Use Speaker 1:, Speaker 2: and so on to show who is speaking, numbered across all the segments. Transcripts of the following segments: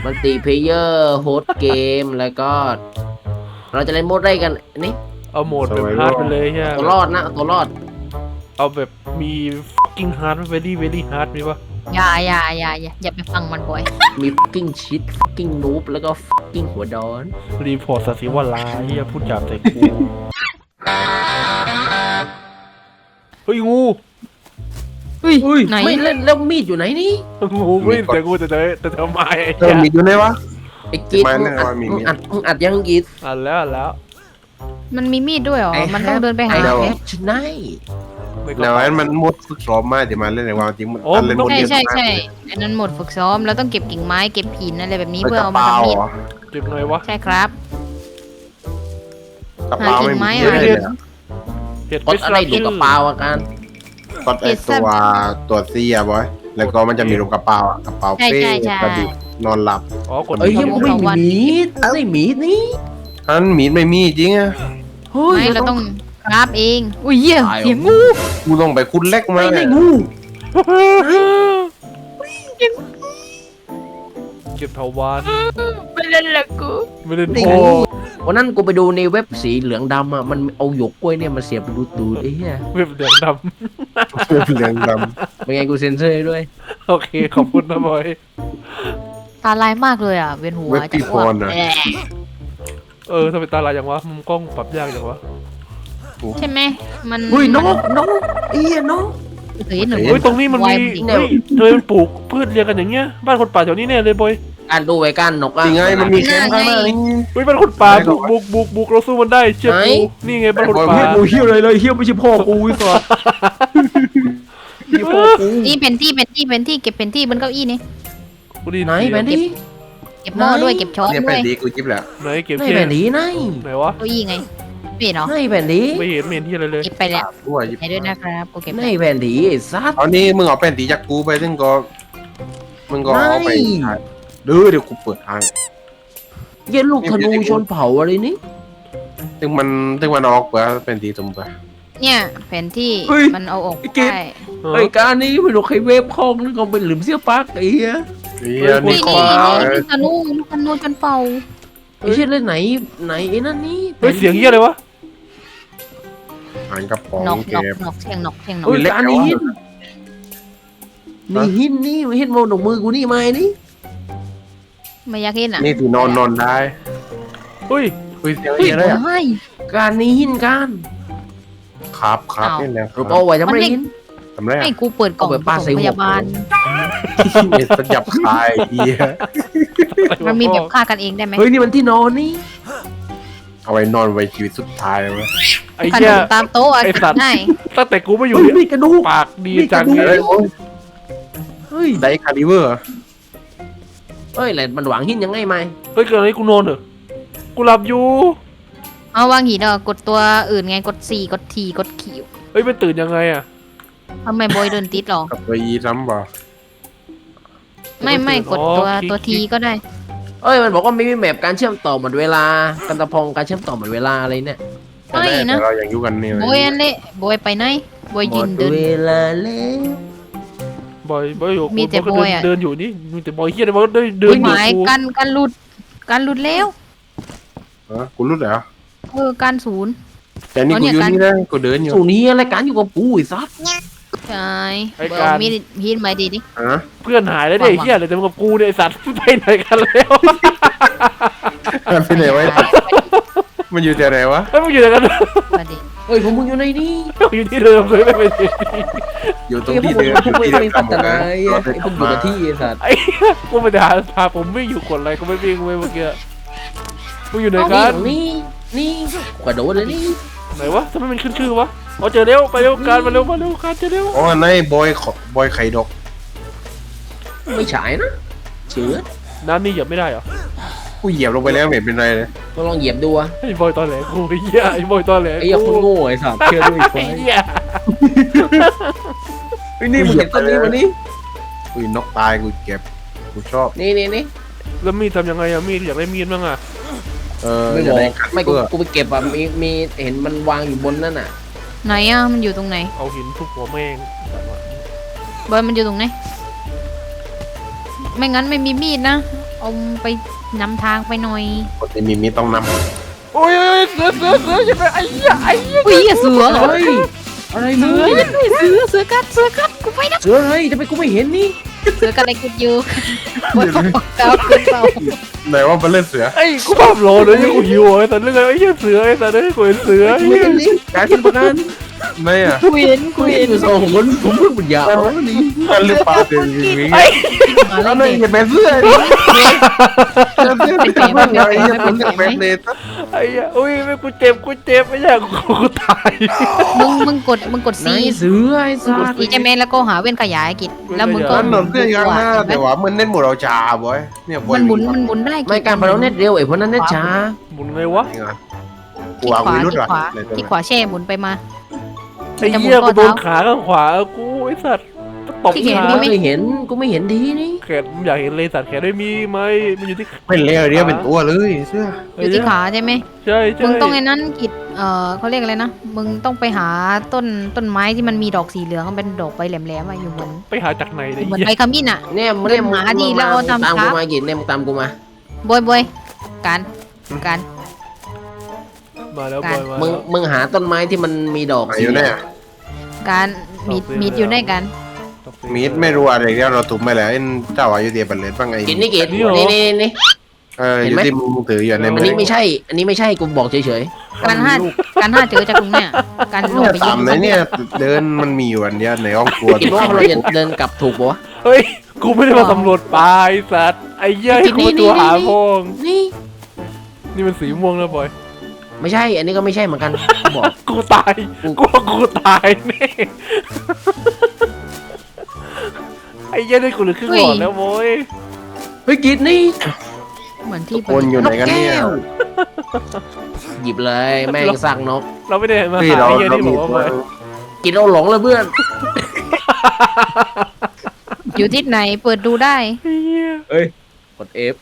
Speaker 1: มัลติเพลเยอร์โฮสเกมแล้วก็ เราจะเล่นโหมดได้กันนี่
Speaker 2: เอาโหมดแบบฮาร์ดไปเลยใช่ไหม
Speaker 1: ตัวรอดนะตัวรอด
Speaker 2: เอาแบบมี fucking hard very very hard มีปะ
Speaker 3: อย่าไปฟังมันบ่อย
Speaker 1: มี fucking shit fucking noob แล้วก็ fucking หัวดอน
Speaker 2: รีพอร์ตสัตว์สิวลาเฮียพูดจามใส่กูเฮ้ยงู
Speaker 1: อุ้ย
Speaker 3: ไหน
Speaker 1: ไม่เล่นแล้วมีดอยู่ไหนนี่
Speaker 2: งูไม่แต่กูแต่ทำไมไอ้
Speaker 4: เออมีอยู่ไหนวะ
Speaker 1: ไอ้กีด
Speaker 4: ไม่
Speaker 1: มึ
Speaker 4: แน่
Speaker 1: งอัด
Speaker 4: ว่ามี
Speaker 1: มึงอัดยังกีด
Speaker 2: อ่านแล้วอ่านแล้ว
Speaker 3: มันมีมีดด้วยเหรอ มันต้องเดินไปหา
Speaker 1: ไอ้
Speaker 3: ไหม
Speaker 1: แฮปชไน
Speaker 2: ไม่ก็
Speaker 4: แล้วอันมันหมดฝึกซ้อมมาเดี๋ยวมาเล่นในวันจริงมัน
Speaker 2: โอ้
Speaker 4: อันเล่นหมด
Speaker 3: ใช่
Speaker 4: เดียว
Speaker 3: ใช่อันนั้นหมดฝึกซ้อมแล้วต้องเก็บกิ่งไม้เก็บหินอะไรแบบนี้
Speaker 4: เพื่
Speaker 3: เพื่อ
Speaker 4: อก
Speaker 3: เอา
Speaker 4: ระ
Speaker 3: มา
Speaker 4: เป๋า
Speaker 3: ทำมีด
Speaker 2: เก็บหน่อยวะ
Speaker 3: ใช่ครับ
Speaker 4: กระเป๋าไม่มี
Speaker 3: หา
Speaker 4: เยอะ
Speaker 3: กิ่งไม้
Speaker 4: เลยอะ
Speaker 2: เห็ด
Speaker 1: กดอะไรดูกระเป๋าอาการ
Speaker 4: กดไอตัวซีอะบอยแล้วก็มันจะมีรูปกระเป๋าอะกระเป๋าเป้กระดิกนอนหลับ
Speaker 2: อ๋อกด
Speaker 1: เอ้ยยังไม่มีมีดไม่มีดนี่
Speaker 4: อันมีดไม่มีจริงอะ
Speaker 1: เฮ้ย
Speaker 3: ไม่เราต้องคราฟเองอุ้ยเหี้ย
Speaker 1: ตาย
Speaker 3: เสียงงู
Speaker 4: กูต้องไปคุ้นเล็กมา
Speaker 1: ไม่
Speaker 4: เล
Speaker 1: ได้
Speaker 4: ย
Speaker 1: งู
Speaker 2: เก็บเถาวัน
Speaker 3: ไม่เล่นละกู
Speaker 2: ไม่ได้
Speaker 1: ได้
Speaker 2: โอ้
Speaker 1: งูวันนั้นกูไปดูในเว็บสีเหลืองดำอ่ะมันเอาหยวกกล้วยเนี่ยมาเสียบดูดไอ้เหี้ย
Speaker 2: เว็บเหลืองด
Speaker 4: เหลืองด
Speaker 1: เป็นไงกูเซ็นเซอร์ให้ด้วย
Speaker 2: ำโอเคขอบคุณนะบอย
Speaker 3: ตาลายมากเลยอ่ะเวียนหัวจะอ้วกแหละ
Speaker 2: ทำไมตาลายอย่างวะมุมกล้องปรับยากอย่างวะ
Speaker 3: ใช่ไหมมัน
Speaker 1: เฮ้ยนกเอี้ยนก
Speaker 3: เฮ้ยหนู
Speaker 2: เฮ้ยตรงนี้มันมี
Speaker 1: เนี่ย
Speaker 2: เฮ้ยเธอมันปลูกพืชเรียงกันอย่างเงี้ยบ้านคนป่าแถวนี้แน่เลยบอย
Speaker 1: การดูไว้การนก
Speaker 4: ำ
Speaker 1: อ่ะ
Speaker 4: จริงไงมันมีแคมป์ข้างหน้านี่
Speaker 2: เฮ้ยบ้านคนป่าบุกเราสู้มันได้เชื่อกูนี่ไงบ้านคนป่า
Speaker 1: กูเฮี้ยวเลยเฮี้ยวไม่ใช่พ่อกูไอ้สัสนี่พ่อกู
Speaker 3: นี่เป็นที่เก็บเป็นที่บนเก้าอี้นี่
Speaker 2: กูดี
Speaker 1: ไหนแผ่นดิ
Speaker 3: เก็บหม้อด้วยเก็บช้อน
Speaker 4: เนี่ย
Speaker 3: ด้
Speaker 4: ไป
Speaker 3: วย
Speaker 4: ดีกูจิ๊บแหละ
Speaker 2: ไหนเก็บ
Speaker 1: ไหน
Speaker 2: เทีย
Speaker 1: แผ่
Speaker 2: น
Speaker 1: นดิไหน
Speaker 2: ไหนวะ
Speaker 3: เก้าอี้ไงเปลี่ยนเหรอ
Speaker 1: ไหนแผ่นดิ
Speaker 2: ไม่เห็นที่อะไรเลย
Speaker 3: เก็บไปแล้ว
Speaker 4: ด้วยจิ๊บ
Speaker 3: ไหนด้วยนะครับกูเก็บ
Speaker 1: ไหน
Speaker 3: ไป
Speaker 1: แผ่นดิไอ้สัส
Speaker 4: เอานี่มึงเอาแผ่นตีจากกูไปซึ่งก็มึงก็เอาไป
Speaker 1: ไม่
Speaker 4: ขายเดี๋ยวกูเปิดทาง
Speaker 1: เย็นลูกธนูชนเผาอะไรนี่
Speaker 4: ซึ่งมันออกเปล่าเป็นตีตุ่มเปล่า
Speaker 3: เนี่ยแผนที่มันเอาออกได้
Speaker 1: ไอ้การนี้ไม่รู้ใครเวฟคองนึกเอาไปหลืมเสี้ยปักไอ้เหี้ย
Speaker 4: นี่
Speaker 3: นี่
Speaker 4: ขอ
Speaker 3: นี่ธนูจนเป่า
Speaker 1: ไอ้เชี่ยเล่นไหนไอ้นั่นนี่
Speaker 2: เฮ้ยเสียงเฮียอะไรวะ
Speaker 4: อ่านกระป๋อง
Speaker 3: นก
Speaker 4: เก็บ
Speaker 3: เสียงนก
Speaker 1: เฮ้ยการนี้หินนี่หินนี่หินโมนมือกูนี่มานี่
Speaker 3: ไม่อยากเห็นอ่ะ
Speaker 4: นี่ที่นอนได้
Speaker 2: เฮ้ย
Speaker 4: คุยเสียง
Speaker 3: เฮ้ย
Speaker 4: อะไรอ่ะ
Speaker 3: ไม่
Speaker 1: การนี้หินการ
Speaker 4: ครับนี่แหละ
Speaker 1: รูปเอาไว้ทำไรหิน
Speaker 4: ทำไร
Speaker 3: ให้กูเปิดกล่อง
Speaker 1: เอาไปปาใส่
Speaker 3: ส่ง
Speaker 1: หัว
Speaker 3: พยาบาล
Speaker 4: เม็ดสยับคายเฮีย
Speaker 3: มันมีแบบฆ่ากันเองได้ไหม
Speaker 1: เฮ้ยนี่มันที่นอนนี่
Speaker 4: เอาไว้นอนไว้ชีวิตสุดท้ายเลย
Speaker 2: ไอ้
Speaker 3: ขน
Speaker 2: เหี้ย
Speaker 3: มตามโต๊ะอ่ะ
Speaker 2: ไอ้สัตว์
Speaker 3: ได้
Speaker 2: ตั้งแต่กูไม่อยู่
Speaker 1: เฮ้ย
Speaker 2: เนี่ย
Speaker 1: มีกระดูก
Speaker 2: ปากดีจัง
Speaker 1: นี่
Speaker 2: เล
Speaker 1: กระ
Speaker 2: ย
Speaker 1: ดูก เฮ้ย
Speaker 4: ได้คาลิเวอร์
Speaker 1: เฮ้ยแหละมันหวังหินยังไงไหม
Speaker 2: เฮ้ยเกิดอะไรกูนอนเหรอกูหลับอยู่
Speaker 3: เอาวางหินอ่ะกดตัวอื่นไงกด C กด T กดคิว
Speaker 2: เฮ้ยมันตื่นยังไงอ่ะ
Speaker 3: ทำไมบอยเดินติดหรอ
Speaker 4: กับตัวอีซ้ำป่ะ
Speaker 3: ไม่กดตัว T ก็ได้
Speaker 1: เอ้ยมันบอกว่าไม่มีแมปการเชื่อมต่อหมดเวลากันตะพองการเชื่อมต่อหมดเวลาอะไรเนี่ย
Speaker 3: ไม่นะ
Speaker 4: เรายังอยู่กันนี่
Speaker 3: บอยอันเละบอยไปไหนบอย
Speaker 1: หม
Speaker 3: ยื
Speaker 1: ด
Speaker 3: นเดิน
Speaker 1: เวลาแล้ว
Speaker 2: บอยอยู่
Speaker 3: มีแต่
Speaker 2: ก็
Speaker 3: บอยอะ
Speaker 2: เดินอยู่นี่มีแต่บอยเฮียเลยบอยเดินอยู่
Speaker 3: หมาย
Speaker 2: กู
Speaker 3: กันหลุดแล้ว
Speaker 4: กูรู้แล้ว
Speaker 3: การศูนย์
Speaker 4: แต่นี่กูอยู่นี่นะกูเดินอยู่
Speaker 1: สูนี้อะไรการอยู่กับกูไอ้ซัด
Speaker 3: ใช่บอยมีหินไหมดีดิ
Speaker 4: ฮะ
Speaker 2: เพื่อนหายแล้วเนี่ยไอ้เฮียเลยแต่มึงกับกูเนี่ยไอ้สัตว์ไปไหนกันแล้ว
Speaker 4: มันเป็นไงวะมันอยู่แต่ไหนวะ
Speaker 2: เฮ้ยมึงอยู่ไหนกัน
Speaker 3: มาดิ
Speaker 1: เฮ้ยผมมึงอยู่ในนี่
Speaker 2: อยู่ที่เดิมเลยไม่เป็นไร
Speaker 4: อยู่ตรง
Speaker 1: ไอ้พว
Speaker 4: ที่
Speaker 1: ก
Speaker 4: เดิม
Speaker 1: มึงไม่พัฒนาไอ้พวกอยู่กับที่ไอ้สัตว์
Speaker 2: ไอ้กูไปหาผมไม่อยู่กดอะไรกูไม่วิ่งเว้ยเมื่อกี้มึงอยู่ไหนกัน
Speaker 1: นี่กระโดดเลยนี่
Speaker 2: ไหนวะทำไมมันขึ้นชื่อวะอ๋อเจอเร็วไปเร็วการมาเร็วการเจอเร็ว
Speaker 4: อ๋อในบอยไข่ดก
Speaker 1: ไม่ฉายนะเชื้อ
Speaker 2: น้ำนี่เหยียบไม่ได้เหรอ
Speaker 4: กูเหยียบลงไปแล้วไม่เป็นไรเลย
Speaker 1: ต้องลองเหยียบดูอะ
Speaker 2: ไอ้บอยตอนแหลกูไอ้เหี้ยไอ้บอยตอนแหล
Speaker 1: ไอ้ยังคนโง่ไอ้สัตว์เชื่อด้วย
Speaker 2: ไอ้เหี้ย
Speaker 1: ไอ้นี่มึงเก็บต้นนี้มานี่
Speaker 4: กูนกตายกูเก็บกูชอบ
Speaker 1: นี่
Speaker 2: แล้วมีดทำยังไงอะมีดอยากได้มีดบ้างอะ
Speaker 1: ไม่
Speaker 4: จะ
Speaker 1: บอ
Speaker 4: ได้
Speaker 1: กไม่กูไปเก็บอะมีเห็นมันวางอยู่บนนั่นน่ะ
Speaker 3: ไหนอ่ะมันอยู่ตรงไหน
Speaker 2: เอาหินทุบหัวแม่ง
Speaker 3: บอยมันอยู่ตรงไหนไม่งั้นไม่มีมีดนะเอาไปนำทางไปหน่อย
Speaker 4: คนที่มีต้องน
Speaker 2: โอ้ยเสือใช่ไหมไอ้เหี้ย
Speaker 3: อุ้ยเสือเหรอ
Speaker 1: เฮ้ยอะไรมึง
Speaker 3: เสือกัดกูไปนะ
Speaker 1: เสืออะไรทำไมกูไม่เห็นนี่
Speaker 3: เสือกัดอะไรกูอยู่บนปากกาขึ้นเปล่า
Speaker 4: ำไหนว่าเป็นเล่นเสือ
Speaker 2: ไอ้กูภาพโลเลยยังกูหิวไอ้สัตว์เรื่องอะไรไอ้เหี้ยเสือไอ้สัตว์เอ้ยกูเห็นเสือ
Speaker 1: กูไม่เห็นนี่การเป็นประกัน
Speaker 4: ไม่อะ
Speaker 3: กูเห็น
Speaker 1: กูเห็นอยู่สองคนผมเพิ่งปัญญาอ่อนนี่
Speaker 4: มันหรือเปล่าเสือจริง
Speaker 2: ไอ้
Speaker 3: มา
Speaker 4: ๆแล้ว
Speaker 3: เล
Speaker 4: นั่น
Speaker 3: ย
Speaker 4: จะเป็นเสื้อดิเสื้อที่ทำอะไรจะเป็นแบบเนส
Speaker 2: ไอ้เหี้ยอุ้ยไม่กูเจ็บไม่ใช่กูตาย
Speaker 3: มึงกด
Speaker 1: ไหน
Speaker 3: ซี
Speaker 1: เสือไอ้สั
Speaker 3: กด
Speaker 1: ตว์
Speaker 3: ซีใช่ไหมแล้วก็หาเว้นขยายกิจแล้วมึงก็
Speaker 4: นั่นหนุนเสื้อยังหน้าแต่ว่ามันเน้นหมดเราจ่าบอยเนี่ยบอย
Speaker 3: มันหมุนได้กิจ
Speaker 1: ไม่การพนันเน็ตเร็วไอ้พวกนั้นเน็ตช้า
Speaker 2: หมุนไงวะ
Speaker 4: กู
Speaker 3: ที่
Speaker 4: เอา
Speaker 3: ขวา
Speaker 4: วิรุธ
Speaker 3: ที่
Speaker 4: ว่ะ
Speaker 3: ขวาที่ขวาแช่หมุนไปมา
Speaker 2: ไอ้เหี้ยกูโดนขาข้างขวากูไอ้สัตว์ตบ
Speaker 3: ที่เห็น
Speaker 2: ขา
Speaker 1: กูไม่เห็นกูไม่เห็นดีนี่
Speaker 2: แขนอยากเห็นเลยสัตว์แขนไม่มีไหมมันอยู่ที่
Speaker 4: ไม่เลี้ยเรียเป็นตัวเลยเสื้อ
Speaker 3: อยู่ที่ขาใช่ไหม
Speaker 2: ใช่
Speaker 3: มึงต้องไอ้นั้นกิจเขาเรียกอะไรนะมึงต้องไปหาต้นไม้ที่มันมีดอกสีเหลืองมันเป็นดอกใบแหลมๆอะอยู่เหมือน
Speaker 2: ไปหาจากไหนเนี่ย
Speaker 3: เหมือน
Speaker 2: เหี้ย
Speaker 3: ใบขมิ้นอะ
Speaker 1: เนี่ยมึงเนี่ย
Speaker 3: หมาดีแล้วเอาทำ
Speaker 1: ตาม
Speaker 3: ครั
Speaker 1: กู
Speaker 3: บ
Speaker 1: มากินเนี่ยมึงตามกูมา
Speaker 3: บอยการ
Speaker 2: มาแล้ว
Speaker 3: การ
Speaker 2: บอยมา
Speaker 1: มึง
Speaker 2: แล้ว
Speaker 1: มึงหาต้นไม้ที่มันมีดอก
Speaker 4: ไหน
Speaker 1: สี
Speaker 4: อยู่
Speaker 1: เหลื
Speaker 4: เนี่
Speaker 1: อย ง
Speaker 3: การมีดอยู่ในกัน
Speaker 4: มีดไม่รู้อะไรเดียวเราถูกไปแล้วเจ้าอายุเดียบันเลนบ้างไง
Speaker 1: กินนี่กินนี่
Speaker 4: อยู่ที่มึงถืออยู่ใน
Speaker 1: อัน
Speaker 4: มื
Speaker 1: นี้ไม่ใช่ อันนี้ไม่ใช่กูบอกเฉย
Speaker 3: การห้าเจอจากตรงเนี้ยการลง
Speaker 4: เนี่ย
Speaker 3: ไป
Speaker 4: ตามไหนเนี่ยเดินมันมีอยู่อันเดียวในห้องครัว
Speaker 1: ๆกินว่าเราจะเดินกลับถูกปะวะ
Speaker 2: เฮ้ยกูไม่ได้มาสำรวจป่าไอ้สัตว์ไอ้เหี้ยให้กูตัวหาพง
Speaker 1: นี่
Speaker 2: นี่มันสีม่วงแล้วบอย
Speaker 1: ไม่ใช่ อันนี้ก็ไม่ใช่เหมือนกันกูบอก
Speaker 2: กูตายกูตายแน่ไอ้เหี้ยได้กูเหลือครึ่งหลอดแล้วโว้ย
Speaker 1: เฮ้ยกินนี่
Speaker 3: เหมือนที่
Speaker 4: คนอยู่ไหนกันเนี่ย
Speaker 1: หยิบเลยแม่งสั่งนก
Speaker 2: เราไม่ได้มา
Speaker 4: พี่
Speaker 2: หา
Speaker 4: เรา
Speaker 2: ไอ้เหี้ย
Speaker 4: เรา
Speaker 2: นี่บ
Speaker 4: มี
Speaker 2: อกว่าบอย
Speaker 1: กินเราหลงเลยเพื่อน
Speaker 3: อยู่ที่ไหนเปิดดูได้
Speaker 2: ไอ้เหี้ย
Speaker 1: กด F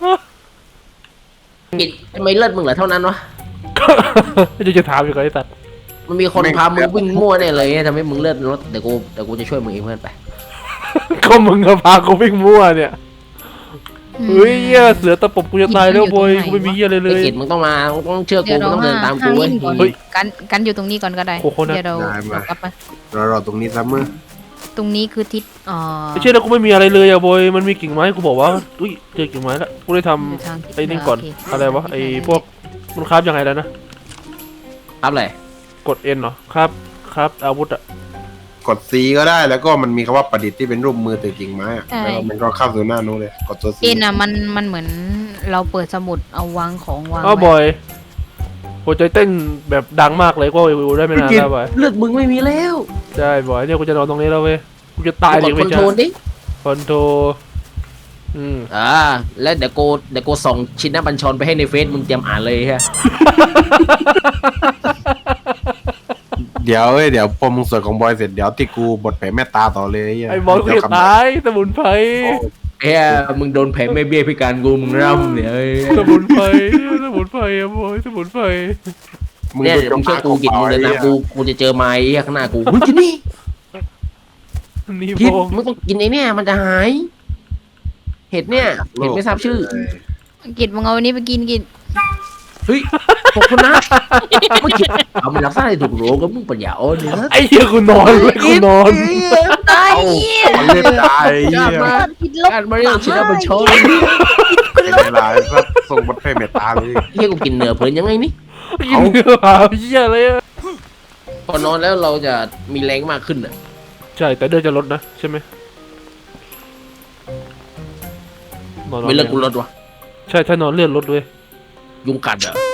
Speaker 1: กินทำไมเลือดมึงเหลือเท่านั้นวะ
Speaker 2: จะถามอยู่กับไอ้สัตว์
Speaker 1: มันมีคนพามึงวิ่งมั่วแน่เลยทำให้มึงเลือดลดเดี๋ยวกูจะช่วยมึงเองเพื่อนไป
Speaker 2: ก็มึงก็พากูวิ่งมั่วเนี่ยเฮ้ยเหี้ยเสือตะปบกูจะตายแล้วบอยกูไม่มีเหี้ยอะไรเล
Speaker 1: ไอ้
Speaker 2: ย
Speaker 1: กิจมึงต้องมามึงต้องเชื่อกู
Speaker 3: เดี๋ยว
Speaker 1: มึง
Speaker 3: เรา
Speaker 1: ต้องเดินตามกู
Speaker 3: ห้า
Speaker 1: เว้ย
Speaker 3: วิ่งก่อน
Speaker 2: เฮ้ย
Speaker 3: กันอยู่ตรงนี้ก่อนก็ได้
Speaker 2: โคโค่นะ
Speaker 3: เดี๋ยวเรากลับมา
Speaker 4: เราตรงนี้ซ้ำมือ
Speaker 3: ตรงนี้คือทิศ
Speaker 2: ไม่ใช่แล้วกูไม่มีอะไรเลยอะบอยมันมีกิ่งไม้กูบอกว่าอุ้ยเจอกิ่งไม้แล้วกูได้ท
Speaker 3: ทางทิศ
Speaker 2: ำไอ้นี่ก่อน
Speaker 3: โเค
Speaker 2: อะไรวะไอ้พวกมันคราฟยังไงแล้วนะครับ
Speaker 1: เลย
Speaker 2: กด N เหรอครับอาวุธอะ
Speaker 4: กด C ก็ได้แล้วก็มันมีคำว่าประดิษฐ์ที่เป็นรูปมือถือกิ่งไม้แล้วมันก็เข้าสู่หน้านู้นเลยกดตัว C
Speaker 3: เอ็นอ่ะมันเหมือนเราเปิดสมุดเอาวางของวาง
Speaker 2: อ้าวบ
Speaker 3: ไว้
Speaker 2: อยหัวใจเต้นแบบดังมากเลยก็วิวได้ไม่นานแล้วบอย
Speaker 1: เลือดมึงไม่มีแล้ว
Speaker 2: ใช่บอยเนี่ยกูจะนอนตรงนี้แล้วเว้ยกูจะตาย
Speaker 1: ก
Speaker 2: ดิ
Speaker 1: ดค
Speaker 2: ไม่
Speaker 1: อน
Speaker 2: ใช่
Speaker 1: โทรลดิ
Speaker 2: คอนโทรล
Speaker 1: แล้วเดี๋ยวกูส่งชิ้นหน้าบัญชรไปให้ในเฟซมึงเตรียมอ่านเลยฮะ
Speaker 4: เดี๋ยวพอมึงสวดของบอยเสร็จเดี๋ยวที่กูบทแผ่เมตตาต่อเลย
Speaker 2: ไอ้บอยกูจะตายสมุนไพร
Speaker 1: เฮ้ยมึงโดนแผลไม่เบี้ยพิการกูมึงร่ำเนี่ย
Speaker 2: สมุนไพรอะบอยสมุนไพร
Speaker 1: เนี่ยเดี๋ยวมึงเชื่อกูกินมึงเดินตามกูจะเจอไม้ข้างหน้ากูกินนี่
Speaker 2: นี่
Speaker 1: กิน
Speaker 2: บอง
Speaker 1: มึงต้องกินไอ้เนี่ยมันจะหาย เห็ดเนี่ยเห็ดไม่ทราบชื่อ
Speaker 3: กิจมึงเอาอันนี้ไปกินกิจ
Speaker 1: เฮ้ยขอบคุณนะไม่กินเอามันรักษาได้ถูกโรคก็มึงปัญญาอ่อนเนี่ย
Speaker 2: ไอ้เหี้ยกูนอนเลยกูนอน
Speaker 3: ตาย
Speaker 4: มันเล่นตายเหี้ย
Speaker 3: กินลบ
Speaker 1: การมาเรียกชิ้นหน้าบัญชร
Speaker 4: เวลาส่งบทแผ่เมตตาเลย
Speaker 1: เฮ้ยกูกินเนื้อเพลินยังไงนี่
Speaker 2: กินเนื้อหาเหี้ยเลยอะ
Speaker 1: พอนอนแล้วเราจะมีแรงมากขึ้นอ่ะ
Speaker 2: ใช่แต่เดือดจะลดนะใช่ไหมนอน
Speaker 1: ไม่เลิกกูลดวะ
Speaker 2: ใช่ถ้านอนเลือดลดด้วย
Speaker 1: ยุงกัดอ่ะ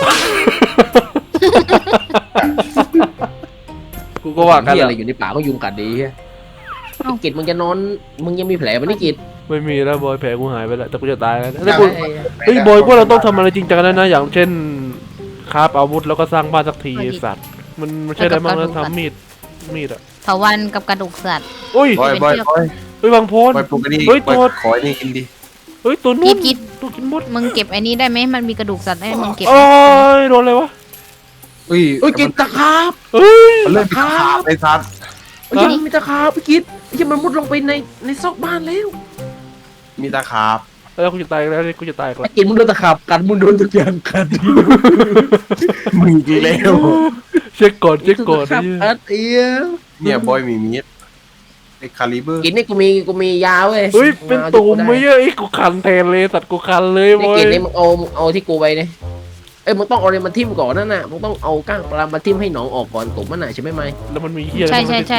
Speaker 2: กูก็ว่ากัน
Speaker 1: เหี้ย
Speaker 2: แห
Speaker 1: อะไร
Speaker 2: ละ
Speaker 1: อยู่ในป่าก็ยุงกัดดีเฮ้ยกิจมึงจะนอนมึงยังมีแผลมันนี่กิจ
Speaker 2: ไม่มีแล้วบอยแผลกูหายไปแล้วแต่กูจะตายแล้วแต่กูเฮ้ยบอยว่าเราต้องทำอะไรจริงจังแล้วนะอย่างเช่นคราฟอาวุธแล้วก็สร้างบ้านสักทีไอ้สัตว์มันใช่ได้บ้างแล้วทำมีดอะ
Speaker 3: เถาวันกับกระดูกสัตว์
Speaker 2: อุ้ย
Speaker 4: บอย
Speaker 2: เฮ้ยบางโพน
Speaker 4: บอยปลุกกันดี
Speaker 2: เฮ้ยตัว
Speaker 4: ขอนี่กินดิ
Speaker 2: เฮ้ยตัวนู้น
Speaker 3: กิน
Speaker 2: ตัวกินมด
Speaker 3: มึงเก็บไอ้นี้ได้ไหมมันมีกระดูกสัตว์ให้มึงเก็บ
Speaker 2: โอ้ยโดนอะไรวะ
Speaker 4: เฮ้ย
Speaker 1: เฮ้ยกิจตะขาบ
Speaker 2: เฮ้ย
Speaker 4: มันเล่นขาไอ้สัตว์
Speaker 1: เฮ้ยมีตะขาบพี่กิจไอ้เหี้ยมันมุดลงไปในซอกบ้านแล้ว
Speaker 4: มีตาขาบ
Speaker 2: แล้วกูจะตายแล้วกูจะตายแล้ว
Speaker 1: กินมึงโดนตะขับกันมึงโดนทุกอย่างกัน
Speaker 4: มึงกี่แล้ว
Speaker 2: เช็คก่อนเช็คก่อน
Speaker 1: ครับอัดเอีย
Speaker 4: เนี่ยบอยมีมีดไอ้คาลิเบอร์
Speaker 1: กินนี่กูมียาเว้ย
Speaker 2: เฮ้ยเป็นตุ่มไม่เยอะไอ้กูคันแทนเลยสัตว์กูคันเลย
Speaker 1: นี่
Speaker 2: บอย
Speaker 1: กินนี่มึงเอาที่กูไปเนี่ยเอ้ยมึงต้องเอาอะไรมาทิ่มก่อนนั่นน่ะมึงต้องเอาก้างปลามาทิ่มให้หนองออกก่อนตุ่มมันน่ะใช่ไหมไม่
Speaker 2: แล้วมันมีเหี้ย
Speaker 3: ใช่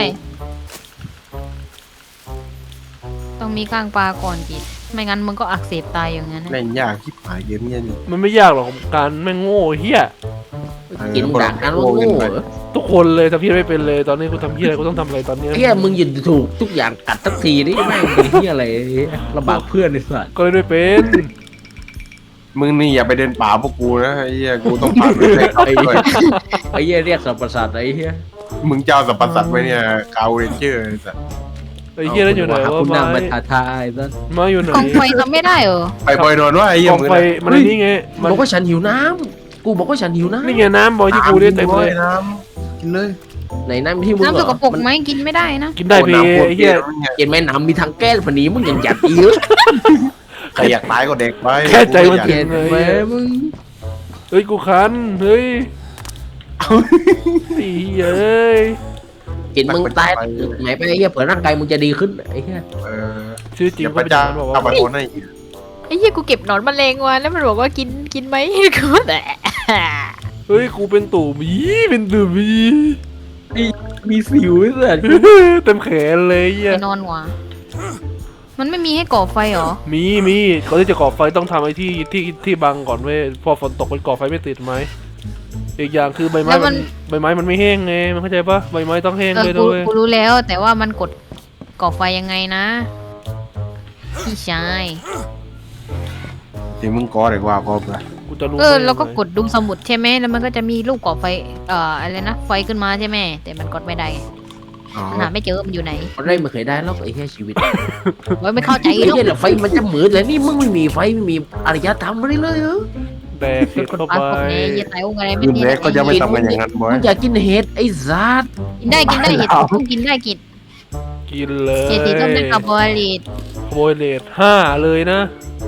Speaker 3: ต้องมีก้างปลาก่อนกินไม่งั้นมึงก็อักเสบตายอย่างนั้นนะ
Speaker 4: แม่งยากที่ผายเกมเนี่ยนี่
Speaker 2: มันไม่ยากหรอกการแม่งโง่เหี้ย
Speaker 1: กินด่ากันว่าโง่เหรอ
Speaker 2: ทุกคนเลยทำเหี้ยไม่เป็นเลยตอนนี้กูทำเหี้ยอะไรกูต้องทำอะไรตอนนี้
Speaker 1: เฮียมึงยืนถูกทุกอย่างกัดทักทีนี่แม่งเป็นเฮียอะไรลำบากเพื่อนไอ้สัส
Speaker 2: ก็เลยไม่เป็น
Speaker 4: มึงนี่อย่าไปเดินป่าพวกกูนะไอ้เหี้ยกูต้องผ่านไปได้ครับด้วย
Speaker 1: ไอ้เฮียเรียกสับประสาทไอ้เฮีย
Speaker 4: มึงเจ้าสัพพสัตว์ไว้เนี่ยกาวเรนเจอร์ไอ้สัส
Speaker 2: ไอ้เหี้ยนั่นอยู่ไหนวะ
Speaker 1: คุณ
Speaker 2: ไม้
Speaker 1: นำมาท้าทายซะ
Speaker 2: ไม้อยู่ไหน
Speaker 3: กองไฟทำไม่ได้เหรอ
Speaker 4: ไปบอยนอนว่าไอ้เหี้ย
Speaker 2: กอง
Speaker 4: มึง
Speaker 2: ไฟมันนี่ไงมัน
Speaker 1: บอกว่าฉันหิวน้ำกูบอกว่าฉันหิวน้ำ
Speaker 2: นี่ไงน้ำบอยที่กูได้เต็มเลย
Speaker 4: น้ำกินเลย
Speaker 1: ไหนน้ำที่มึง
Speaker 3: น้ำสกปรกไหมกินไม่ได้นะ
Speaker 2: กินได้เพ
Speaker 4: น้ำปวด
Speaker 2: ไอ้เหี้ย
Speaker 1: เห็นไหมน้ำมีทางแก้ฝันนี้มึงยังหยัดอีก
Speaker 4: ใครอยากตายก็เด็กไป
Speaker 2: แค่ใจมัน
Speaker 1: เห็นไหมมึง
Speaker 2: เฮ้ยกูคันเฮ้ยไอ้เหี้ยเอ้ย
Speaker 1: กินมึงตายไหนไปไอ้เฮียเผื่อร่างกายมึงจะดีขึ้นไอ้เฮีย
Speaker 4: เออ
Speaker 2: ชื่อจริง
Speaker 4: อย่า
Speaker 2: ก็
Speaker 4: ไป
Speaker 2: เป็นอ
Speaker 4: จ้า
Speaker 2: ย่างนั้นบอก
Speaker 4: เอาไป
Speaker 2: ว่า
Speaker 4: คนให้
Speaker 3: ไอ้เหี้ยกูเก็บหนอนแมลงมาแล้วมันบอกว่ากินไหมกูแต่
Speaker 2: เฮ้ยกูเป็นตู่หมีเป็นตู่หมี
Speaker 1: มีสิวไอ้สัส
Speaker 2: เต็มแขนเลยเหี้ย
Speaker 3: ไปนอนหัวมันไม่มีให้ก่อไฟเหรอ
Speaker 2: มีก่อนที่จะก่อไฟต้องทำไอ้ที่บังก่อนเว้ยพอฝนตกมันก่อไฟไม่ติดไหมอีกอย่างคือใบไม้มันไม่แห้งไงมันเข้าใจปะใบไม้ต้องแห้ง
Speaker 3: เออ
Speaker 2: เลย
Speaker 3: กู
Speaker 2: ด้วย
Speaker 3: กูรู้แล้วแต่ว่ามันกดก่อไฟยังไงนะพี่ชาย
Speaker 4: เดี๋ยวมึงกอเด็กว่าก็ไป
Speaker 2: กูจะรู้
Speaker 3: แล้วก็กดดูสมุดใช่ไหมแล้วมันก็จะมีรูปก่อไฟอะไรนะไฟขึ้นมาใช่ไหมแต่มันกดไม่ได้
Speaker 4: อ๋อ
Speaker 3: หาไม่เจอมันอยู่ไหน
Speaker 1: คนได้ไม่เคยได้แล้วไอ้เฮียชีวิต
Speaker 3: โอ้ยไม่เข้าใจ
Speaker 1: ไอ้
Speaker 3: หรอก
Speaker 1: เฮียเหรอไฟมันจะเหมือนเลยนี่มึงไม่มีไฟไม่มีอารยธรรมอะไรเลยเหรอ
Speaker 2: แดกเห็ด
Speaker 3: กด
Speaker 2: เข้า
Speaker 3: ปลา
Speaker 2: ไป
Speaker 3: กดเนยตายองอะไรไม่
Speaker 4: คืน
Speaker 3: มี
Speaker 4: แรกก็จะไม่ทำกันอย่างนั้นบอย
Speaker 1: มึงอยากกินเห็ดไอ้สัส
Speaker 3: กินได้เห็ดต้องกินได้กิน
Speaker 2: กินเลย
Speaker 3: เห็ดสีส้มเป็นคาร์โบไฮเดรต
Speaker 2: โบยเลต5เลยนะ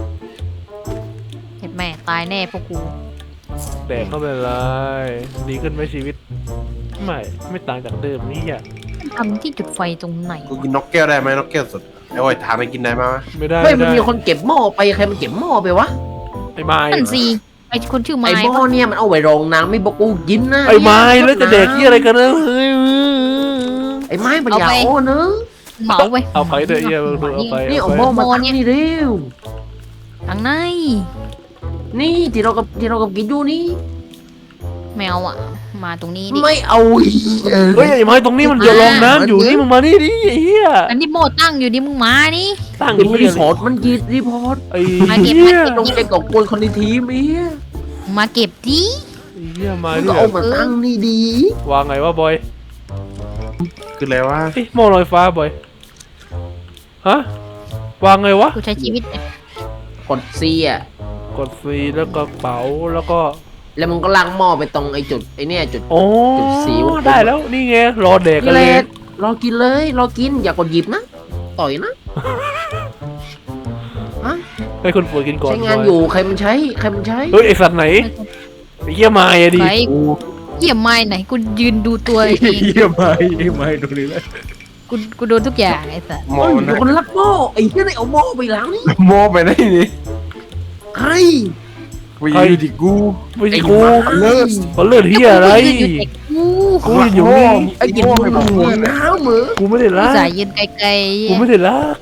Speaker 3: เห็ดแม่ตายแน่พวกกู
Speaker 2: แดกเข้าไปเลยดีขึ้นไหมชีวิตไม่ต่างจากเดิมนี่อ่ะ
Speaker 3: ทำที่จุดไฟตรงไหน
Speaker 4: กูกินนกแก้วได้ไหมนกแก้วสดไอ้โอ้ยถามไปกินได้ไหมวะ
Speaker 2: ไม่ได้
Speaker 1: เฮ้ยมันมีคนเก็บหม้อไปใครมันเก็บหม้อไปวะ
Speaker 2: ไอ้ไม้
Speaker 3: นั่นสิไอคนชื่อไม้
Speaker 1: ไอ้หม้อเนี่ยมันเอาไว้รองน้ำไม่บอกกูกินนะ
Speaker 2: ไอ้ไม้แล้วจะแดกที่อะไรกันนะเฮ้ย
Speaker 1: ไอ้ไม้มันอยากโอ้เนอะ
Speaker 3: เหมาไป
Speaker 2: เอาไปเถอะเหี้ยมึงดูเอาไป
Speaker 1: นี่
Speaker 2: เอา
Speaker 1: เอา
Speaker 2: ไป
Speaker 1: หม้อมาตั้งนี่เร็ว
Speaker 3: ทางใน
Speaker 1: นี่ที่เรากับกินอยู่นี่
Speaker 3: แมวอ่ะมาตรงนี้ดิ
Speaker 1: ไม่เอาอีก
Speaker 2: เฮ้ยไอ้ไม้ตรงนี้มันจะลองน้ำอยู่นี่มึงมานี่ดิไอ้เหี้ย
Speaker 3: อันนี้โมตั้งอยู่ดิมึงมานี่
Speaker 2: ตั้ง
Speaker 1: เป็น
Speaker 2: เหี้
Speaker 1: รี
Speaker 2: ย
Speaker 1: พอร์ตมันกีดรีพอร์ต
Speaker 2: ไอ้
Speaker 3: มาเก็บ
Speaker 2: เหี้ย
Speaker 1: ต้องไปกอบกวนคนในทีมไอ้เหี้ย
Speaker 3: มาเก็บดิ
Speaker 2: ไอ้เหี้ยมา
Speaker 1: มึง
Speaker 2: ด้
Speaker 1: ก็
Speaker 2: วย
Speaker 1: เอามาตั้งนี่ดี
Speaker 2: วางไงวะบอย
Speaker 4: คืออะไรวะ
Speaker 2: เอ้ยหม้อลอยฟ้าบอยฮะวางไงวะ
Speaker 3: กูใช้ชีวิต
Speaker 1: กดซีอ่ะ
Speaker 2: กดซีแล้วก็เป๋าแล้วก็
Speaker 1: แล้วมึงก็ล้างหม้อไปตรงไอ้จุดไอ้เนี่ยจุด
Speaker 2: โอ้
Speaker 1: จุดสีวงกลม
Speaker 2: ได้แล้วนี่ไงรอแดกกัน
Speaker 1: เล
Speaker 2: เลย
Speaker 1: ยรอกินเลยรอกินอย่ากดหยิบนะต่อยนะ
Speaker 2: ให้คนป่วยกินก่อน
Speaker 1: ใช้งานอยู่ใครมันใช้ใครมันใช้
Speaker 2: เฮ้ยไอสัตว์ไหนไอ้เหี้ยมาอะดิ
Speaker 3: ไฟเยี่ยมไม้ไหนกูยืนดูตัวเอง
Speaker 1: เยี่ยมไม่ดูนี่เลย
Speaker 3: กูโดนทุกอย่างไอ้สัส
Speaker 4: มอ
Speaker 1: เฮ้ย
Speaker 4: นะ
Speaker 1: คนรักหม้อไอ้เหี้ยได้เอาหม้อไปล้างนี่
Speaker 4: มอไปได้นี่
Speaker 1: ใคร
Speaker 4: ไปยืนดิกู
Speaker 2: ไม่ใช่
Speaker 1: ไอ้
Speaker 2: กู
Speaker 1: เลิศ
Speaker 2: เขาเลือดเหี้ยอะไร
Speaker 3: กูยืนอยู่แต่กู
Speaker 2: กูอยู่นี่
Speaker 1: ไอ้กินมึงหัวน้ำเหมือ
Speaker 2: กูไม่ได้
Speaker 3: กู
Speaker 2: รัก
Speaker 3: สายยืนไกล
Speaker 2: กูไม่ได้รัก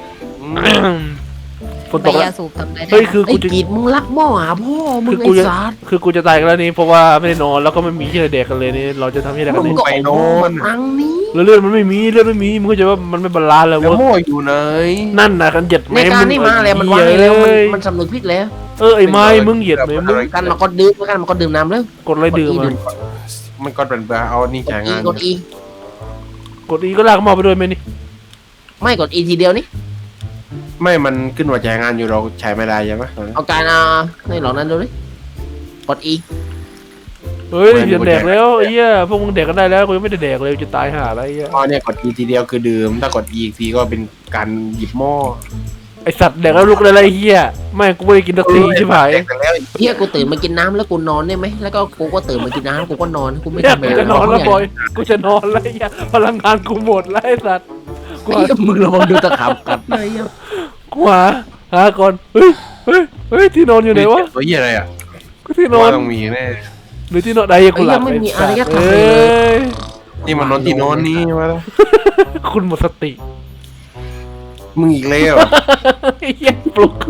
Speaker 2: ฝน
Speaker 3: ๆ
Speaker 2: ต
Speaker 3: ไป
Speaker 2: กแล้
Speaker 3: ยาว สูบทำได้
Speaker 2: เฮ้ยคือ
Speaker 1: ไอ้
Speaker 2: กูจะ
Speaker 1: กีดมึงรักหม้อหาพ่อมึง
Speaker 2: คือกู
Speaker 1: ไอ้
Speaker 2: จะ
Speaker 1: สาร
Speaker 2: คือกูจะตายกันแล้วนี่เพราะว่าไม่ได้นอนแล้วก็ไม่มีที่จะแดกกันเลยนี่เราจะทำที่ไหนกัน
Speaker 1: มึ
Speaker 2: นี่
Speaker 1: งก็เอาหม้อมาตั้งนี่
Speaker 2: แล้วเลือดมันไม่มีเลือดไม่มีมึงเข้าใจว่ามันไม่บาลานซ์เลย
Speaker 4: แล้ว
Speaker 2: เวะ
Speaker 4: มออยู่ไหน
Speaker 2: นั่นนะกันเหยียด
Speaker 1: ในการนี่มาแล้วมันวางให้แล้วมันสำนึกผิดแล้ว
Speaker 2: ไอ้ไม้มึงเหยียดไหมมึง
Speaker 1: กันมาก็ดื่มกันมาก็ดื่มน้ำแล้ว
Speaker 2: กดอะไรดื่มอ่ะ
Speaker 4: มันก็เป็นเบอร์เอานี่
Speaker 1: ก
Speaker 4: จ่าย
Speaker 1: ดอี
Speaker 4: งาน
Speaker 1: กดอี
Speaker 2: กดอีก็ลากหม้อไปด้วยไหมนี่
Speaker 1: ไม่กดอีทีเดียวนี่
Speaker 4: ไม่มันขึ้นว่าจ่ายงานอยู่เราใช้ไม่ได้ใช่ไหม
Speaker 1: เอาการในหลอกนั้นดูดิกดอี
Speaker 2: เฮ้ยเหยียดแดกแล้วไอ้เหี้ยพวกมึงแดกกันได้แล้วกูยังไม่ได้แดกเลยจะตายห่าอะไรไอ้เหี้ย
Speaker 4: มอเนี่ยกด E ทีเดียวคือดื่มถ้ากด E อีกทีก็เป็นการหยิบหม้อ
Speaker 2: ไอสัตว์แดกแล้วลุกเลยไรเฮียไม่กูไม่ได้กินสักทีใช่ไหม
Speaker 4: แดกไปแล้ว
Speaker 1: เฮียกูตื่นมากินน้ำแล้วกูนอนได้ไหมแล้วก็กูก็ตื่นมากินน้ำกูก็นอนกูไม่
Speaker 2: เนี่ย
Speaker 1: ทำอะไร
Speaker 2: กูจะนอนแล้วบอยกูจะนอนแล้วเฮียพลังงานกูหมดแล้วไอสัตว์กู
Speaker 1: ไอ้เหี้ยมึงระวังโดนตะขาบกัดเลยอ่ะ
Speaker 2: กูหาก่อนเฮ้ยที่นอนอยู่ไหนวะ
Speaker 4: ตัวเหี้ยอะไรอ่ะ
Speaker 2: กูที่นอน
Speaker 4: ว่าต้องมีแน่
Speaker 2: หรือที่นอนใดกูหลับ
Speaker 1: ไม่มีอารยธรรม
Speaker 2: เอ้
Speaker 1: เลย
Speaker 2: ย
Speaker 4: นี่มันนอนที่นอนนี่มาแล้ว
Speaker 2: คุณหมดสติ
Speaker 4: มึงอีกแล้ว
Speaker 2: ไอ้เหี้ยปลุก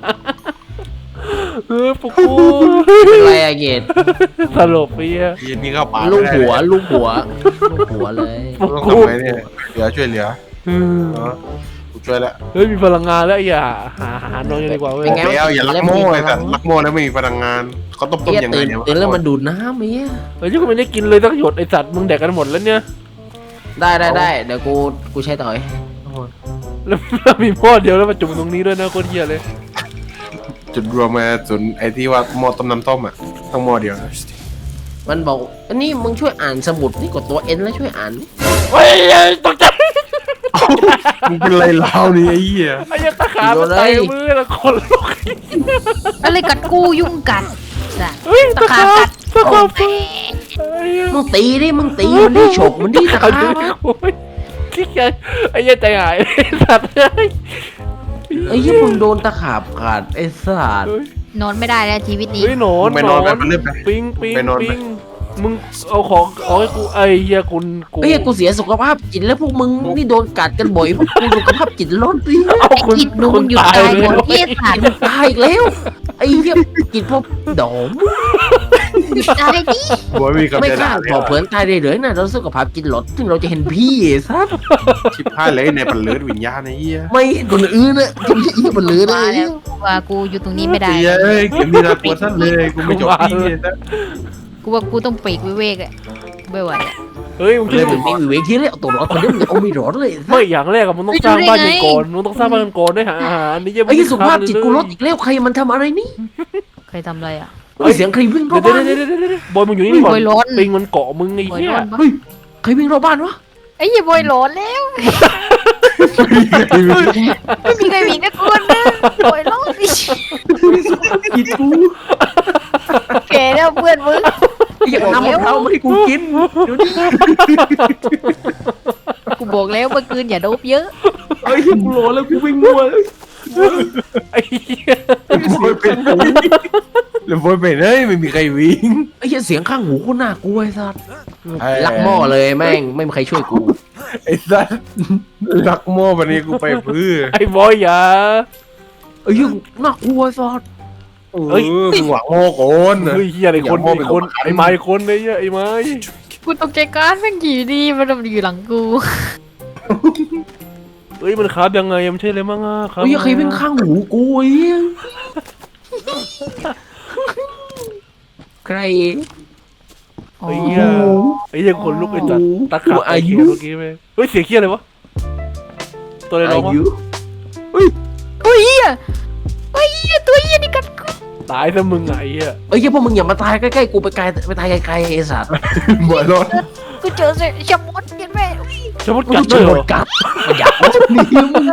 Speaker 2: ปลุกกู
Speaker 1: เป็นไรอะเกด
Speaker 2: สลบไปเหี้ย
Speaker 4: เย็นนี้เข้าป่า
Speaker 1: ลูกหัวลูกหัวลูกหัวเลย
Speaker 4: ต้องทำไงเนี่ยเหลือช่วยเหลือกูช่วยแล้ว
Speaker 2: เฮ้ยมีพลังงานแล้วอย่าหานอนกันดีกว่าเว้ย
Speaker 4: แล้วอย่าลักโม่ไอ้สัตว์ลักโม่แล้วไม่มีพลังงานเขาต้ม
Speaker 1: เฮีย
Speaker 4: ยังไง
Speaker 1: ตื่น
Speaker 4: เนี่ย
Speaker 1: ตื่นแล้วมันดูดน้ำเฮีย
Speaker 2: เฮ้ยยังไม่ได้กินเลยสักหยดไอสัตว์มึงแดกกันหมดแล้วเนี่ย
Speaker 1: ได้เดี๋ยวกูใช้ต่อย
Speaker 2: แล้วมีหม้อเดียวแล้วมาจุ่มตรงนี้ด้วยนะโคตรเหี้ยเลย
Speaker 4: จุดรวมมาส่วนไอ้ที่ว่าหม้อต้มน้ำต้มอ่ะต้องหม้อเดียวนะ
Speaker 1: มันบอกอันนี้มึงช่วยอ่านสมุดนี่กดตัวเอ็นแล้วช่วยอ่าน
Speaker 2: เฮ้ยตกใจ
Speaker 4: มึงเป็นไรเล่านี่ไอ้เหี้ย
Speaker 2: ไอ้ยักษ์ตะขาบมันไต่มือแล้วคนลุก
Speaker 3: อะไรกัดกูยุ่งกัดจ้ะ
Speaker 2: เฮ้ย
Speaker 3: ตะขาบกัด
Speaker 2: ตะขาบ
Speaker 3: โอ้ย
Speaker 1: มึงตีดิมึงตีมันดิฉกมันดิตะขาบ
Speaker 2: โอ้ยที่ไงไอ้ยักษ์ใจหายไอ้สัตว์
Speaker 1: ไอ้ยี่มึงโดนตะขาบกัดไอ้สัตว์
Speaker 3: นอนไม่ได้แล้วชีวิตนี้
Speaker 2: เฮ้ยหนอน
Speaker 4: ไปนอนไปเรื่อยไป
Speaker 2: ปิง
Speaker 4: ไปนอนไป
Speaker 2: มึงเอาของให้กูไอ้เหี้ยกู
Speaker 1: ไอ้เหี้ยกูเสียสุขภาพจิตแล้วพวกมึงนี่โดนกัดกันบ่อยพวกกูสุขภาพจิตลดดิ
Speaker 2: เอา
Speaker 3: ไอ้กิดมึงหยุดตายหมดที่สัตว์
Speaker 1: ตายอีกแล้วไอ้เหี้ยจิตพวกดอม
Speaker 3: หยุดตายดิ
Speaker 4: บอยมีคำ
Speaker 1: ไม่
Speaker 4: จะ
Speaker 1: กล้า
Speaker 4: ด่าเลย
Speaker 1: บอกเผื่อนตายได้เลยนะเราสุขภาพจิตลดถึงเราจะเห็นพี่ไอ้สัตว์
Speaker 4: ชิบหายเลยในปันเลือดวิญญาณไอ้เหี้ย
Speaker 1: ไม่เห็นคนอื่นนะจะไม่ใช่อีมันเหลือเล
Speaker 3: มาย แล้วว่ากูอยู่ตรงนี้ไม่ได้
Speaker 4: เอ้ยเกมนี้น่ากลัวสั้นเลยกูไม่จบที่เลยนะ
Speaker 3: กูว่ากูต้องปีกวิเวกอะไม่ไหวอะ
Speaker 2: เฮ้ยมึง
Speaker 1: เล
Speaker 2: คิด
Speaker 1: ยมึงมีเวทีเลยเอาตัวรอดคนเดียวมึงเอาไม่รอดเลย
Speaker 2: ไม่อย่างแรกอะมึงต้องสร้างบ้านกันก่อนมึงต้องสร้างบ้านกันก่อนด้วยหาอาหารนี่ยัง
Speaker 1: ไอ้สุขภาพจิตกูลดอีกแล้วใครมันทำอะไรนี่
Speaker 3: เคยทำอะไรอะ
Speaker 1: ไอ้เสียงใครวิ่งรอบ
Speaker 2: เดี๋ยว
Speaker 1: บ้าน
Speaker 2: เดี๋ยวเดี๋ยวบอยมึงอยู่นี่ก่อน
Speaker 3: บอยร้อน
Speaker 2: ปิงมันเกาะมึงไอ้
Speaker 3: บอย
Speaker 2: เหี้ย
Speaker 3: ร้อนปะ
Speaker 1: เฮ้ยใครวิ่งรอบบ้านวะ
Speaker 3: ไอ้ยี่บอยร้อนแล้วไม่มีใครมีนะกูนะบอยร้อนดิ
Speaker 1: จิตกู
Speaker 3: แกแล้วเพื่อนมึง
Speaker 1: อย่าทำมะพร้าวมาให้กูกินเดี๋ยวนี้
Speaker 3: กูบอกแล้วเมื่อคืนอย่าโดบเยอะ
Speaker 1: ไอ้กูรอแล้วกูวิ่งมัว
Speaker 2: ไอ้เหี้ย
Speaker 4: บอยเป็นแล้วบอยเป็นเฮ้ยไม่มีใครวิ่ง
Speaker 1: ไอ้เสียงข้างหูกูน่ากลัวไอ้สัสลักหม้อเลยแม่งไม่มีใครช่วยกู
Speaker 4: ไอ้สัสลักโม่วันนี้กูไปเพื่อ
Speaker 2: ไอ้บอยอย่า
Speaker 1: ไอ้ยังน่ากลัวไอ้สัส
Speaker 4: เฮ้ยมึงหวังโม่โกน
Speaker 2: เฮ้ยเหี้ยไอ้คนไอ้คนไอ้ไม้คนไอ้เหี้ยไอ้ไม้
Speaker 3: กูตกใจการแม่งอยู่ดีมันอยู่หลังกู
Speaker 2: เฮ้ยมันคาบยังไงมันใช่เลยมั้งอ่ะครับ
Speaker 1: ไอ้ใครวิ่งข้างหูกูไอ้ใคร
Speaker 2: ไอ้เหี้ยไอ้เหี้ยคนลุกไอ้จัดตะขาบไอ้เหี้ยเมื่อกี้ไหมเฮ้ยเสียงเหี้ยอะไรวะตัวอะไรร้องวะ
Speaker 3: ตัวเหี้ยตัวเหี้ยนี่กัดกู
Speaker 2: ตายซะมึงไงเหี้ย
Speaker 1: ไอ้พวกมึงอย่ามาตายใกล้ๆกูไปไกลไปตายไกลๆไอ้สัส
Speaker 4: บอยรถ
Speaker 3: กูเจอเสียชะมดเห็นไหม
Speaker 2: จะมุด
Speaker 1: กู
Speaker 2: กัด
Speaker 1: จะ
Speaker 2: ด้วย
Speaker 1: ห
Speaker 2: เห
Speaker 1: ม
Speaker 2: ร
Speaker 1: ด
Speaker 2: อ
Speaker 1: กัดมันอยากเอานี่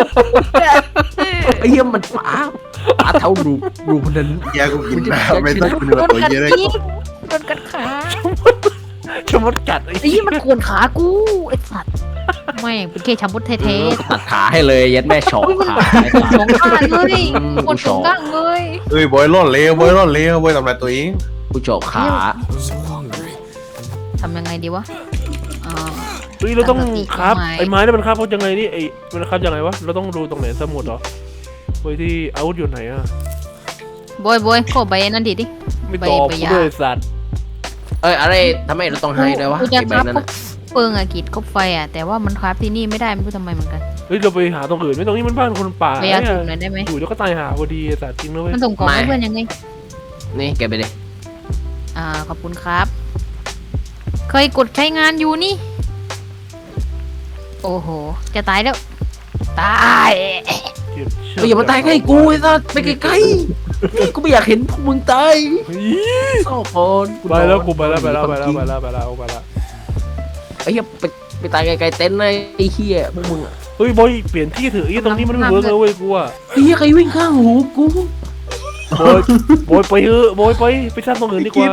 Speaker 1: ไอ้เหี้ยมันป๋าเท่ารูปนั้น
Speaker 4: แกกูกินน้ำไม่ต้องกินตัวเยอะเลย
Speaker 3: โดนกัดขา
Speaker 2: จะมุดกัดไอ้
Speaker 3: ไอ้ยี่มันขวนขากูไอ้สัตว์ไม่งเป็นแค่ชะมดเท่
Speaker 1: ตัดขาให้เลยยัดแม่ชอกขาไอ้สัส
Speaker 3: ๆสองข้างเลยขวนสองข้างเลย
Speaker 4: เฮ้ยบอยร่อนเลวบอยร่อนเลวบอยทำลายตัวเอง
Speaker 1: กูชอกขา
Speaker 3: ทำยังไงดีวะอ่า
Speaker 2: เฮ้ยเราต้องครับ
Speaker 3: ไม้
Speaker 2: ไอ้ไม้นี่มันครับเขายังไงนี่ไอ้มันครับยังไงวะเราต้องดูตรงไหนสมุดเหรอไว้ที่อาวุธอยู่ไหนอ่ะ
Speaker 3: บอยขอใบนั่นดิ
Speaker 2: ไม่ตอบ
Speaker 3: ใบ
Speaker 2: กู
Speaker 3: ยา
Speaker 2: ด้วยสัตว์
Speaker 1: อะไรทำไมเราต้องให้ด้วยวะ
Speaker 3: กูจะ
Speaker 1: ไอ้
Speaker 3: ค
Speaker 1: ใบ
Speaker 3: รับ
Speaker 1: นั้น
Speaker 3: พวกเปิงอะกิดคบไฟอะแต่ว่ามันครับที่นี่ไม่ได้ไม่รู้ทำไมเหมือนกัน
Speaker 2: เฮ้ยเราไปหาตรงอื่นไหม่ตรงนี้มันบ้านคนป่า
Speaker 3: พยายามถูกหน่อยได้ไหม
Speaker 2: อยู่แล้วก็ตายหาพอดีสัตว์จริงนะเว้ย
Speaker 3: มันส่งของให้เพื่อนยังไง
Speaker 1: นี่แกไปดิ
Speaker 3: ขอบคุณครับ เคยกดใช้งานอยู่นี่ โอ้โห จะตายแล้ว ตาย
Speaker 1: เฮ้ยอย่ามาตายใกล้กูไอ้สัสไปไกลๆกูไม่อยากเห็นพวกมึงตาย
Speaker 2: เฮ้ย
Speaker 1: เศร้าพร
Speaker 2: ไปแล้วกูไปแล้วไปแล้วไปแล้วไปแล้วไปแล้วไปแล้ว
Speaker 1: ไอ้เหี้ยไปตายไกลๆเต็นท์เลยไอ้เหี้ยพวกมึงอะ
Speaker 2: เฮ้ยบอยเปลี่ยนที่เถอะไอ้ตรงนี้มันไม่เวิร์กเลยเว้ยกูอะ
Speaker 1: ไอ้เหี้ยใครวิ่งข้างหูกู
Speaker 2: บอยไปเถอะบอยไปสร้างตรงอื่นดีกว่า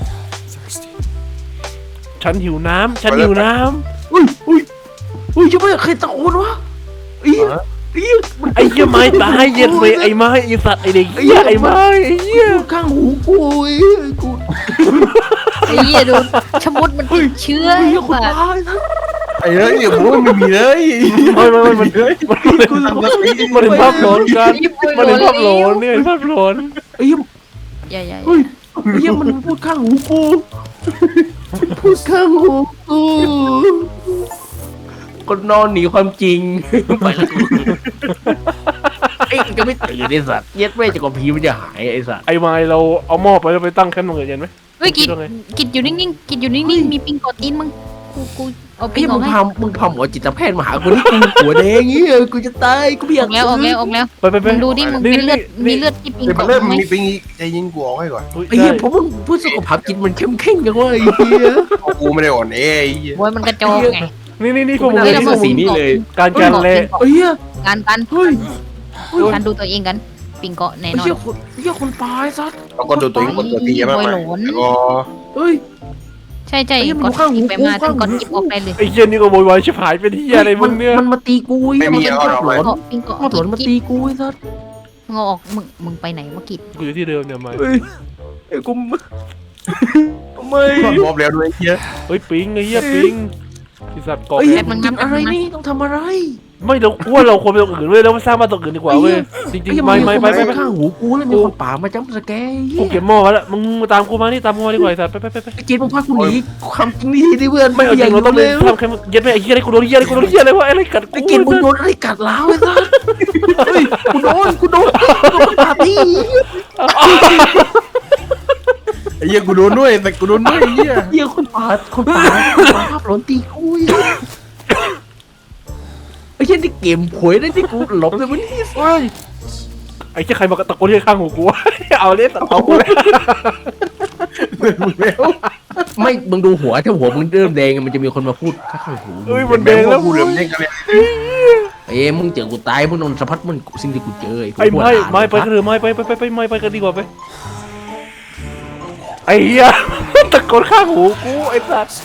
Speaker 2: ฉันหิวน้ำ
Speaker 1: อุ้ยยังไม่ใครตะโกนวะไอ้เหี้ย
Speaker 2: ไอ้เหี้ยไม้ตายเย็นไปไอ้ไม้ไอ้สัตว์ไอ้เด็กเหี้ยไอ้ไม้ไอ้เหี้ย
Speaker 1: พูดข้างหูกูไอ้กู
Speaker 3: ไอ้เหี้ยดูชะมุดมันติดเชื้อ
Speaker 1: ไอ้เหี้ยคน
Speaker 3: ว่ะ
Speaker 1: ตายนะ
Speaker 4: ไอ้เฮ้ยผมว่าไม่มีเลย
Speaker 2: ไม่มันเป็นภาพหลอนกันมันเป็นภาพหลอนเนี่ยภาพหลอน
Speaker 1: ไอ้เหี้ย
Speaker 3: อย่า
Speaker 1: เฮ้ยไอ้เหี้ยมันพูดข้างหูกูพูดข้างหูกูคนนอนหนีความจริงไปแล้วกูไอ้ก็ไม่ตื่นไอ้สัตว์เย็ดแม่จะกว่าผีมันจะหายไอ้สัตว์
Speaker 2: ไอ้ไม้เราเอาหม้อไปแล้วไปตั้งแคมป์ตรงอื่นเย็นไหม
Speaker 3: เฮ้ยกิดอยู่นิ่งๆกิดอยู่นิ่งๆมีปิงกอดตีนมึงกูเอาปิ
Speaker 1: ไอ้
Speaker 3: งอ
Speaker 1: มึ
Speaker 3: อก
Speaker 1: ง
Speaker 3: ให้
Speaker 1: มึงพาหมอจิตแพทย์มาหากูนี่กูหัวแดงงี้กูจะตายกูไม่อาก
Speaker 3: ออยแล้ว
Speaker 2: ไป
Speaker 3: มึงดูดิมึงเป็นเลือดมีเลือดที่ปิง
Speaker 4: เดี๋ยว
Speaker 3: ก
Speaker 4: มั
Speaker 3: อน ด
Speaker 4: เริ่ม
Speaker 3: ไหม
Speaker 4: มีปิงอีกใจยิงกูออกให้ก่อน
Speaker 1: ไอ้เหี้ยผมพูดสุขภาพจิตมันเข้มแข็งกันว่าไอ้เหี้ย
Speaker 4: กูไม่ได้อ่อนแอไอ้เหี้ย
Speaker 3: โวยมันกระจอกไง
Speaker 2: นี่พวกมึง
Speaker 1: เฮ้ย
Speaker 2: นี่
Speaker 1: เราสีนี้เลย
Speaker 2: การเละ
Speaker 1: ไอ้เหี้ย
Speaker 3: การ
Speaker 1: เฮ้ย
Speaker 3: การดูตัวเองกันปิงเกาะแน่
Speaker 1: ไอ้
Speaker 3: นอน
Speaker 1: เหี้ยคนไอ้เหี้ยคนตายสัตว์
Speaker 4: แล้วก็ดูตัวเองกดตัวตีมากแล้วก็
Speaker 1: เฮ้ย
Speaker 3: ใช่
Speaker 1: ไอ้เหี้ยมัน
Speaker 3: กด
Speaker 1: ข้างหู
Speaker 3: กิบไปมา
Speaker 1: ข้างหู
Speaker 3: กดกิบออกไปเลย
Speaker 2: ไอ้เหี้ยนี่ก็โวยวายชิบหายเป็นที่อะไรมึงเนี่ย
Speaker 1: มันมาตีกูไอ้เหี้ยมันเป็นภาพหลอน
Speaker 3: ปิงเกาะ
Speaker 1: ภาพหลอนมาตีกูไอ้สัตว์
Speaker 3: มึงเอาออกมึงไปไหนวะกิด
Speaker 2: กูอยู่ที่เดิมเนี่ยไม้
Speaker 1: เฮ้ยไอ้กูไม่
Speaker 4: มอบแล้วด้วยไอ้เหี้ย
Speaker 2: เฮ้ยปิงไอ้เหี้ยปิงไอ้สัตว์เกาะ
Speaker 1: ไอ้เหี้ยมันกินอะไรนี่ต้องทำอะไร
Speaker 2: ไม่เราว่าเราควรไปตรงอื่นเว้ยแล้วมาสร้างบ้านตรงอื่นดีกว่าเว้ยจริง
Speaker 1: ไอ้เหี้ย
Speaker 2: ๆไม่
Speaker 1: น
Speaker 2: ไป
Speaker 1: คนข้างหูกูแล้วมีคนป่ามาจ้ำสแกร์
Speaker 2: กูเก็บหม้อไว้แล้วมึงมาตามกูมานี่ตามกูมาดีกว่าไอ้สัตว์ไป
Speaker 1: ไอ้เกณฑ์มึงพากูหนีความจริงนี่ดิเพื่อน
Speaker 2: ไม่เอาจริงเราต้อง
Speaker 1: เล
Speaker 2: เล่นทำแค่เย็ดไปไอ้เหี้ยอะไรกูโดนเหี้ยอะไรวะอะไรกัด
Speaker 1: ไอ้
Speaker 2: กู
Speaker 1: เกณฑ์มึงโดนอะไรกัดล้าวไอ้สัสเฮ้ยกูโดนปาร์ตี้
Speaker 4: ไอ้เหี้ยกูโดนด้วยแต่กูโดนด้วยไอ้เหี้ย
Speaker 1: เหี้ยคนป่าภาพหลอนตีกูไอ้เช่นที่เกมหวยได้ที่กูหลบเลยวันนี้
Speaker 2: เฮ้ยไอ้เหี้ยใครมาตะโกนที่ข้างหูกูเอาเล่นตัดเอากูเลย
Speaker 1: ไม่มึงดูหัวถ้าหัวมึงเริ่มแดงมันจะมีคนมาพูดข้างหู
Speaker 2: เฮ้ยมันแดงแล้ว
Speaker 4: กูเหลือมเด้งกันเลย
Speaker 1: มึงเจอกูตายมึงโดนสะพัดมันสิ่งที่กูเจอ
Speaker 2: ไอ้ไม่ไปกันเถอะไม่ไปกันดีกว่าไปไอ้เหี้ยตะโกนข้างหูกูไอ้สัตว์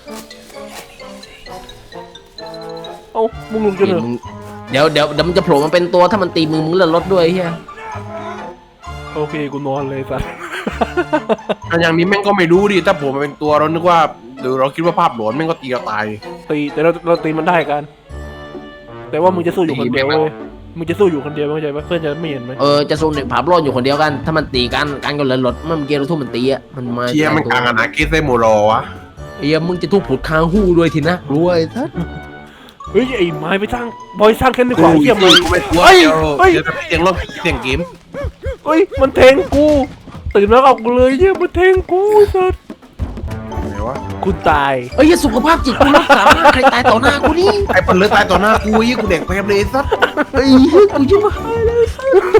Speaker 2: เอ้ามึงลุกจนเหรอ
Speaker 1: เดี๋ยวมันจะโผล่มาเป็นตัวถ้ามันตีมึงเลื่อนรถด้วยเฮีย
Speaker 2: โอเคกูนอนเลยสัตว์
Speaker 4: อันอย่างนี้แม่งก็ไม่รู้ดิถ้าผมมาเป็นตัวเรานึกว่าหรือเราคิดว่าภาพหลอนแม่งก็ตีเราตาย
Speaker 2: ตีแต่เราตีมันได้กัน แต่ว่ามึงจะสู้อยู่คนเดียวเว้ยมึงจะสู้อยู่คนเดียวเข้าใจปะเพื่อนจะไม่เห็นไหม
Speaker 1: จะสู้ในภาพรอดอยู่คนเดียวกัน ถ้ามันตีกันก็เลื่อนรถมันเมื่อกี้เราทุ่มมันตีอ่ะมันมา
Speaker 4: เชียมันกลางอนาเกสเซโมรอวะ
Speaker 1: มึงจะทุบผุดคางหู้ด้วยทีนะรวยทัด
Speaker 2: เฮ้ยไอ้ไม้ไปสร้างบอยสร้างแค่ดีกว่าไอ้เหี้ย
Speaker 4: มึ
Speaker 2: มึ
Speaker 4: ง
Speaker 2: ง
Speaker 4: กูไม่กลัว
Speaker 2: เฮ้ย
Speaker 4: เดี๋ยวเสียงร้องเสียงเกม
Speaker 2: เฮ้ยมันแทงกูตื่นแล้วเอากูเลยเหี้ยมันแทงกูสัตว์
Speaker 4: ไหนวะ
Speaker 2: กูตาย
Speaker 1: สุขภาพจิตกูรักษาใครตายต่อหน้ากูนี่
Speaker 4: ไอ้ปันเลือดตายต่อหน้ากูยี่กูแดกไปเลยสัส
Speaker 1: กูจะมา